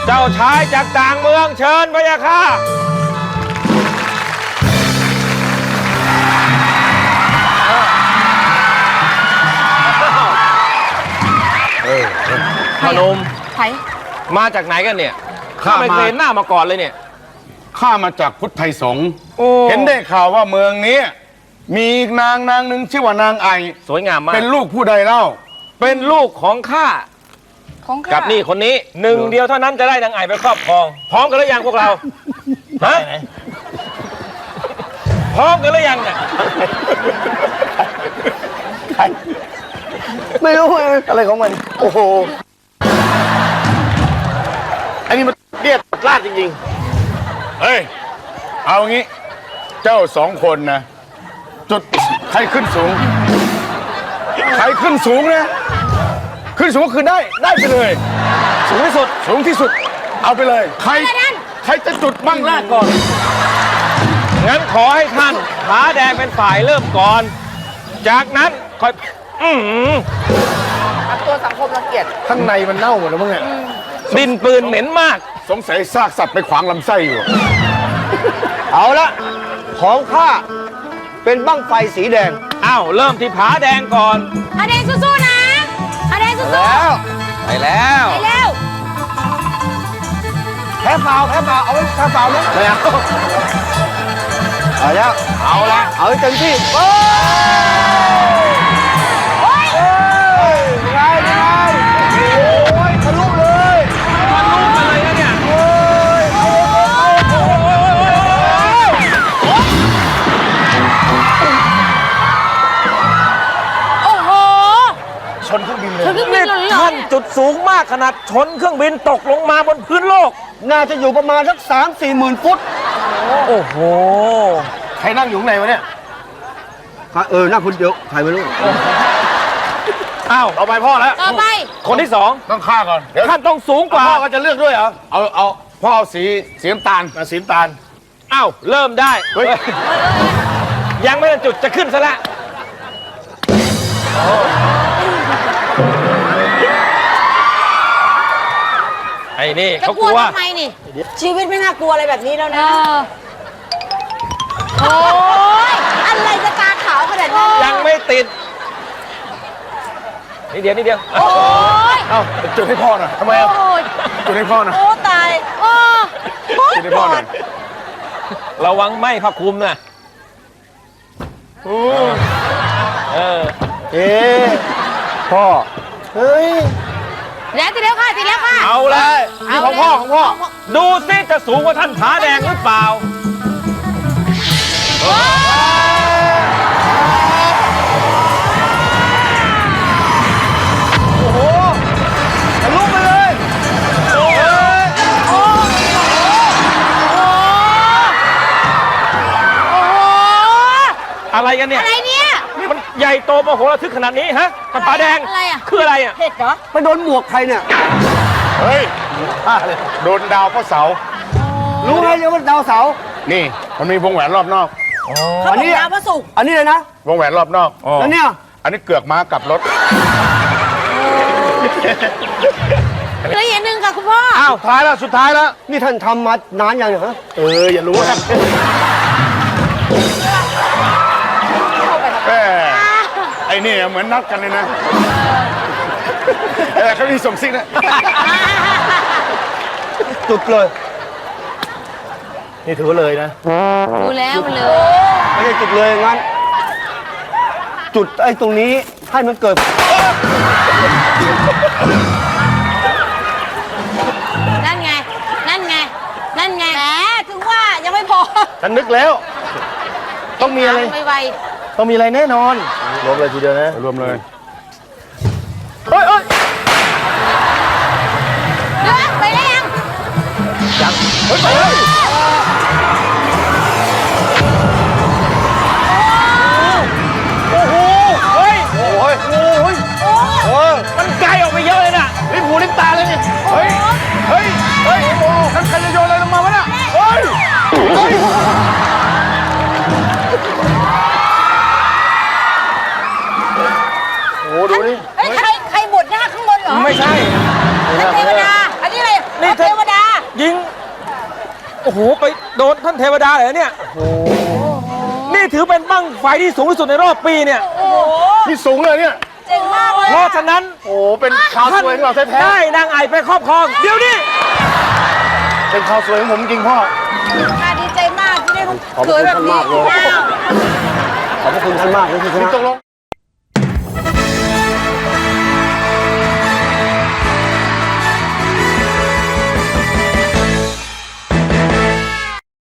เจ้าชายจากต่างเมืองเชิญพะยะค่ะพนมมาจากไหนกันเนี่ยข้าไม่เคยเห็นหน้ามาก่อนเลยเนี่ยข้ามาจากพุทธไทยสงฆ์เห็นได้ข่าวว่าเมืองนี้มีนางหนึ่งชื่อว่านางไอสวยงามมากเป็นลูกผู้ใดเล่าเป็นลูกของข้ากับนี่คนนี้หนึ่งเดียวเท่านั้นจะได้นางไอไปครอบครองพร้อมกันหรือยังพวกเราฮะพร้อมกันหรือยังเนี่ยไม่รู้อะไรของมันโอ้โหอันนี้มันเรียกลาดจริงๆเฮ้ยเอางี้เจ้าสองคนนะจุดใครขึ้นสูงใครขึ้นสูงนะขึ้นสูงก็คือได้ไปเลยสูงที่สุดเอาไปเลยใครจะจุดบ้างแรกก่อนงั้นขอให้ท่านผาแดงเป็นฝ่ายเริ่มก่อนจากนั้นค่อยตัวสังคมรังเกียจข้างในมันเน่าหมดแล้วมั้งเนี่ยดินปืนเหม็นมากสงสัยซากสัตว์ไปขวางลำไส้อยู่เอาละของข้าเป็นบั้งไฟสีแดงอ้าวเริ่มที่ผาแดงก่อนผาแดงสู้ๆนะผาแดงสู้ๆไปแล้วแพ้เปล่าเอาไว้แพ้เปล่าไหมไม่เอาแล้วเอาเต็มที่โอ้ยไงโอ้ยทะลุเลยอะไรนะเนี่ยโอ้โหชนเครื่องบินเลยท่านจุดสูงมากขนาดชนเครื่องบินตกลงมาบนพื้นโลกน่าจะอยู่ประมาณสัก3-4 หมื่นฟุตโอ้โหใครนั่งอยู่ข้างในวะเนี่ยนั่งคนเดียวใครไม่รู้อ้าวต่อไปพ่อแล้วต่อไปคนที่สองต้องฆ่าก่อนเดี๋ยวท่านต้องสูงกว่าพ่อก็จะเลือกด้วยเหรอเอาพ่อเอาสีน้ำตาลอ้าวเริ่มได้ยังไม่ทันจุดจะขึ้นซะแล้วไอ้นี่เขากลัวทำไมนี่ชีวิตไม่น่ากลัวอะไรแบบนี้แล้วนะโอ้ยอะไรจะตาขาวขนาดนั้นยังไม่ติดนิดเดียวโอ้ยจุดให้พ่อหน่อยทำไมจุดให้พ่อหน่อยโอ้ตายจุดให้พ่อหน่อยระวังไหม้ผ้าคลุมนะพ่อเฮ้ยติดแล้วค่ะเอาเลยนี่ของพ่อดูซิจะสูงกว่าท่านผาแดงหรือเปล่าโอ้โหทะลุไปเลยอะไรกันเนี่ยมันใหญ่โตมโหฬารทึกขนาดนี้ฮะท่านผาแดงคืออะไรอ่ะเห็ดเหรอไปโดนหมวกใครเนี่ยเฮ้ยโดนดาวพระเสารู้ไหมเนี่ยว่าดาวเสานี่มันมีวงแหวนรอบนอกอันนี้ดาวพระศุกร์อันนี้เลยนะวงแหวนรอบนอกแล้วเนี่ยอันนี้เกือกม้ากับรถเหลืออย่างหนึ่งค่ะคุณพ่ออ้าวสุดท้ายแล้วนี่ท่านทำมานานยังเหรออย่ารู้นะไอ้นี่เหมือนนัดกันเลยนะเขามีส่งซิกนะจุดเลยนี่ถือเลยนะดูแล้วมันเลยไม่ใช่จุดเลยงั้นจุดไอ้ตรงนี้ให้มันเกิดนั่นไงแหมถึงว่ายังไม่พอฉันนึกแล้วต้องมีอะไรต้องมีอะไรแน่นอนรวมเลยทีเดียวนะรวมเลยเฮ้ยไปแล้วยังไปมันไกลออกไปเยอะเลยนะลิ้นหูลิ้นตาเลยนี่เฮ้ยท่านใครจะโยนอะไรลงมาวะเนี่ยโอ้โหไปโดนท่านเทวดาเลยเนี่ยนี่ถือเป็นบั้งไฟที่สูงที่สุดในรอบปีเนี่ยนี่สูงเลยเนี่ยเจ๋งมากเลยเพราะฉะนั้นโอ้เป็นข่าวสวยของเราแท้ได้นางไอ่ไปครอบครองเดี๋ยวนี้ๆเป็นข่าวสวยของผมจริงพ่อข้าดีใจมากที่ได้ลูกขอบเขคุณยแบบท่านนี้มากเลยอ้าวขอบพระคุณท่านมากเลยที่ชนะตกลง